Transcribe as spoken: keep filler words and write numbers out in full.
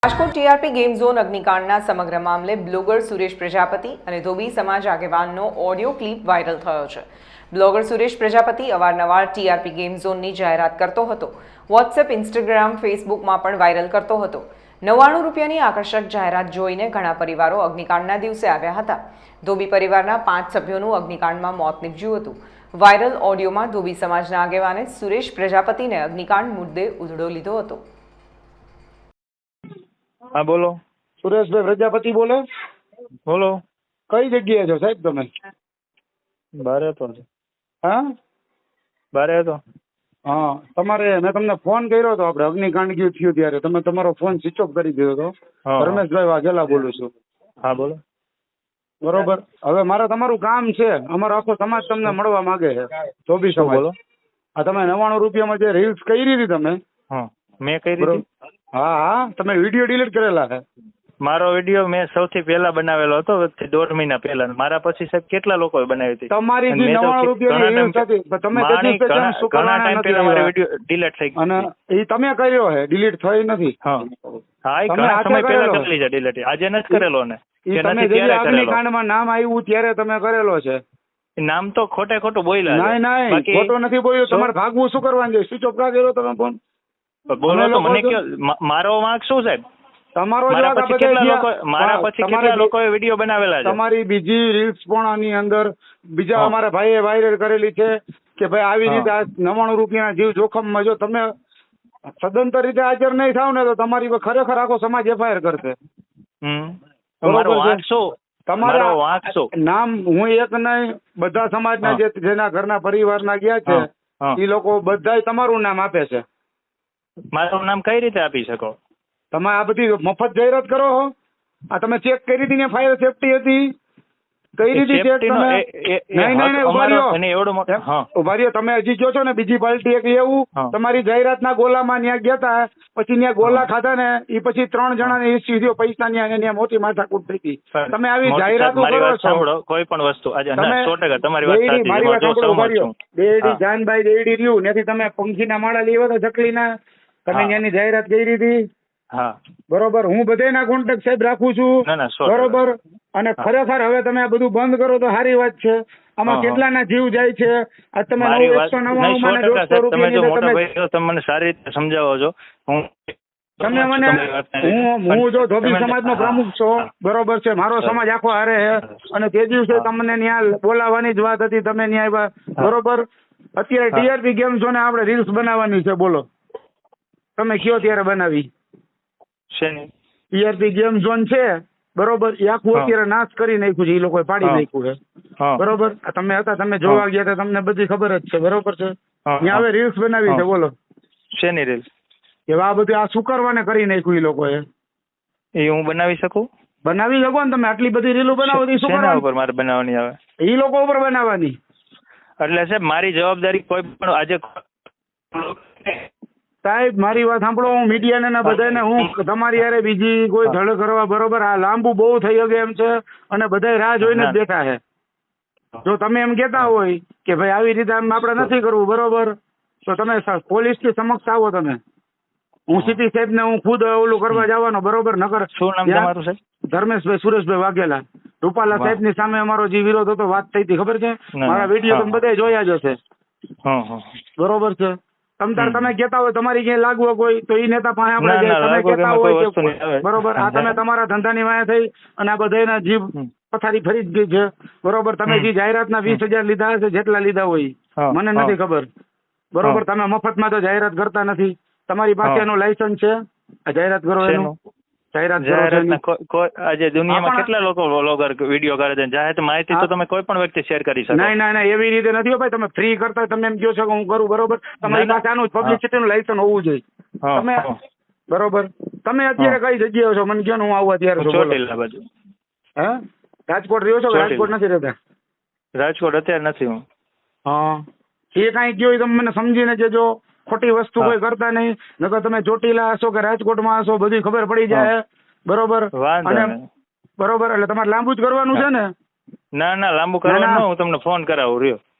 Rajkot TRP game zone અગ્નિકાંડના સમગ્ર મામલે બ્લોગર સુરેશ પ્રજાપતિ અને ધોબી સમાજ આગેવાનનો ઓડિયો ક્લિપ વાયરલ થયો છે. બ્લોગર સુરેશ પ્રજાપતિ અવારનવાર ટીઆરપી ગેમ ઝોનની જાહેરાત કરતો હતો. વોટ્સએપ, ઇન્સ્ટાગ્રામ, ફેસબુકમાં પણ વાયરલ કરતો હતો. નવ્વાણું રૂપિયાની આકર્ષક જાહેરાત જોઈને ઘણા પરિવારો અગ્નિકાંડના દિવસે આવ્યા હતા. ધોબી પરિવારના પાંચ સભ્યોનું અગ્નિકાંડમાં મોત નીપજ્યું હતું. વાયરલ ઓડિયોમાં ધોબી સમાજના આગેવાને સુરેશ પ્રજાપતિને અગ્નિકાંડ મુદ્દે ઉધડો લીધો હતો. હા બોલો. સુરેશભાઈ પ્રજાપતિ બોલે. બોલો. કઈ જગ્યાએ છો સાહેબ તમે? બારે હતો. હા બારે હતો. હા તમારે મેં તમને ફોન કર્યો હતો, આપણે અગ્નિકાંડ ગયું થયું ત્યારે તમે તમારો ફોન સ્વિચ ઓફ કરી દીધો હતો. હા. રમેશભાઈ વાઘેલા બોલું છું. હા બોલો. બરોબર. હવે મારે તમારું કામ છે, અમારો આખો સમાજ તમને મળવા માંગે છે. ધોબી શું સમાજ. બોલો? આ તમે નવ્વાણું રૂપિયામાં જે રીલ્સ કરી હતી તમે, હા મેં કરી બરોબર. હતી. હા હા તમે વિડીયો ડિલીટ કરેલા છે. મારો વિડીયો મેં સૌથી પહેલા બનાવેલો હતો, વચ્ચે દોઢ મહિના પહેલા. મારા પછી સાહેબ કેટલા લોકોએ બનાવી હતી. તમારી અને જે મેં તો નવ્વાણું રૂપિયાની ઘણા રીલ્સ time- હતી પણ તમે મારી તેજસ ઘણા તેજસ શું ઘણા કરવાના ટાઈમ નથી પહેલા મારો આવ્યા. વિડીયો ડિલીટ થઈ ગયો. અને એ તમે કર્યો છે, ડિલીટ થઈ નથી. હા હા એ તમે ઘણા હાથે સમય પહેલા કરેલો. કરેલી છે ડિલીટ. આજે નથી કરેલો ને ઈ કે તમે નથી જે ત્યારે કરેલો. અગ્નિકાંડમાં નામ આવ્યું ત્યારે તમે કરેલો છે. નામ તો ખોટે ખોટું બોલ્યા છે. નહીં નહીં બાકી ખોટો નથી બોલ્યો. શું? તમારે ભાગવું શું કરવાનું છે? સ્વિચ ઓફ કા કર્યો તમે ફોન? બોલો અમે તો લોકો મને તો- કયો મા- મારો વાંક શું સાહેબ? તમારો જ મારા વાંક. આ પછી બધે કેટલા જ્યાં- લોકો મારા હા, પછી તમારી કેટલા બી- લોકોએ વિડીયો બનાવેલા છે. તમારી બીજી રીલ્સ પણ આની અંદર બીજા હા. અમારા ભાઈએ વાયરલ કરેલી છે કે ભાઈ આવી હા. રીતે આ નવ્વાણું રૂપિયાના જીવ જોખમમાં જો તમે સદંતર રીતે હાજર નહીં થાવ ને તો તમારી પર ખરેખર આખો સમાજ એફઆઈઆર કરશે. હમ બરોબર મારો છે. વાંક શું? મારો વાંક શું? તમારા નામ હું એક નહીં, બધા સમાજના હા. જે જેના ઘરના પરિવારના ગયા છે હા, હા. એ લોકો બધાય તમારું નામ આપે છે. મારું નામ કઈ રીતે આપી શકો? તમે આ બધી મફત જાહેરાત કરો છો. આ તમે ચેક કરી હતી ને ફાયર સેફટી હતી કઈ રીતે ચેક Safety નો તમે? એ- એ- એ નહીં નહીં હક નહીં ઉભા અમારો રહ્યો. એને એવડો મોટો- એમ, હા. ઉભા રહ્યો. તમે હજી કહો છો ને બીજી પાર્ટી એક એવું હા. તમારી જાહેરાતના ગોલામાં ત્યાં ગયા હતા, પછી ત્યાં ગોલા ખાધા ને એ પછી ત્રણ જણાને ઇસ્યુ થયો પૈસાની અને ત્યાં મોટી માથાકૂટ થઈ હતી. પણ તમે આવી મોટી જાહેરાતો સાહેબ, મારી કરો વાત છો. સાંભળો. કોઈ પણ વસ્તુ આજે તમે ના, સો ટકા તમારી વાત દેયડી- સાચી છે. મારી વાત હું જો સાંભળો, ઉભા સહમત રહ્યો. છું. દેયડી હા. જાનભાઈ દેયડી રહ્યું ત્યાંથી તમે પંખીના માળા લેવા તો ચકલીના તમે હા. ત્યાંની જાહેરાત કરી હતી. હા બરોબર. હું બધાના કોન્ટેક્ટ સાહેબ રાખું છું. ના, ના, સો ટકા. બરોબર. અને હા. ખરેખર હવે તમે આ બધું બંધ કરો તો સારી વાત છે. આમાં હા, હા. કેટલાના જીવ જાય છે. આજ તમે મારી નવ વાત એકસો નહીં, નવ્વાણું સો માં ને ટકા દોઢસો સાહેબ, તમે જો રૂપિયાની મોટા તમે ભાઈ છો, તમે મને સારી રીતે સમજાવો છો. હું તમે મને તમારી વાતને હું પણ હું જો ધોબી તમે- સમાજનો હા, પ્રમુખ છો, હા. બરોબર છે. મારો સર. સમાજ આખો હારે છે અને તે દિવસે હા. તમને ત્યાં બોલાવવાની જ વાત હતી, તમે ત્યાં આવ્યા. હા. બરોબર. અત્યારે હા. ટીઆરપી ગેમ ઝોને આપણે રીલ્સ બનાવવાની છે. બોલો તમે કયો ત્યારે બનાવી. શેની? ટીઆરપી ગેમ ઝોન છે બરોબર, એ આખું હા. અત્યારે નાશ કરી નાખ્યું છે. એ લોકોએ પાડી હા. નાખ્યું છે. હા. બરોબર. આ તમે હતા, તમે જોવા ગયા હતા, તમને બધી ખબર જ છે. બરોબર છે. હા, ત્યાં હવે હા. રીલ્સ બનાવી છે. હા. બોલો શેની રીલ? કે આ બધું આ શુકરવાને કરી નાખ્યું એ લોકોએ. એ હું બનાવી શકું? બનાવી શકો ને તમે. આટલી બધી રીલો બનાવો તો શું શેના કરવાનું? ઉપર મારે બનાવવાની આવે? એ લોકો ઉપર બનાવવાની. એટલે સાહેબ મારી જવાબદારી કોઈ પણ આજે સાહેબ મારી વાત સાંભળો. હું મીડિયાને ને બધાને હું તમારી હારે બીજી કોઈ ધડ કરવા બરોબર આ લાંબુ બહુ થઈ ગયું એમ છે અને બધા રાહ જોઈને જ બેઠા છે. જો તમે એમ કહેતા હોય કે ભાઈ આવી રીતે આમ આપણે નથી કરવું બરોબર, તો તમે પોલીસ થી સમક્ષ આવો. તમે હું સીપી સાહેબ ને હું ખુદ ઓલું કરવા જવાનો બરોબર. નકર શું નામ ત્યાં તમારું સાહેબ? ધર્મેશભાઈ સુરેશભાઈ વાઘેલા. રૂપાલા વાહ. સાહેબ ની સામે અમારો જે વિરોધ હતો, વાત થઈ હતી ખબર છે? ના, મારા ના. વિડીયો હા. તમે બધા જોયા જ હશે. હા, હા. બરોબર છે. તમ તાર હમ. તમે કહેતા હોય તમારી ક્યાંય લાગવો કોઈ તો એ નેતા પાસે આપણે ના, જાય. ના, તમે લાગવો કહેતા કે કોઈ હોય વસ્તુ નહીં કે આવે. બરોબર આ તમે તમારા ધંધાની વાયા થઈ અને આ બધાના જીવ હમ. પથારી ફરી જ ગઈ છે. બરોબર. તમે હમ. જે જાહેરાતના વીસ હજાર લીધા હશે, જેટલા લીધા હોય હા, મને હા. નથી ખબર. બરોબર. તમે મફતમાં તો જાહેરાત કરતા નથી. તમારી પાસે હા. એનું લાયસન્સ છે આ જાહેરાત કરો એનું? શેનું? જાહેરાત કરો છો જાહેરાતના એની? કોઈ- કોઈ આજે દુનિયામાં આપણા- કેટલા લોકો વ્લોગર વિડીયો કરે છે. જાહેર માહિતી તો હા. તમે કોઈ પણ વ્યક્તિ શેર કરી શકો. નહીં નહીં નહીં એવી રીતે નથી હો ભાઈ. તમે ફ્રી કરતા તમે એમ કહો છો કે હું કરું બરોબર. તમારી ના, પાસે આનું હા. પબ્લિસિટીનું લાયસન્સ હોવું જોઈએ. હા, તમે હા. બરોબર. તમે અત્યારે કઈ જગ્યાએ છો મને કહો ને હું આવું અત્યારે હું તો બોલો. ચોટીલા બાજુ. હે રાજકોટ રહ્યો છો કે ચોટીલા. રાજકોટ નથી રહેતા? રાજકોટ અત્યારે નથી હું. હા એ કાંઈ કયો એ તમે મને સમજીને કહેજો. ખોટી વસ્તુ હા. કોઈ કરતા નહીં. નકર તમે ચોટીલા હશો કે રાજકોટમાં હશો બધી ખબર પડી જાય. બરોબર. વાંધો અને નહીં. બરોબર એટલે તમારે લાંબુ જ કરવાનું છે ને? ના ના લાંબુ ના, ના. કરવાનું ન, હું તમને ફોન કરાવું રહ્યો.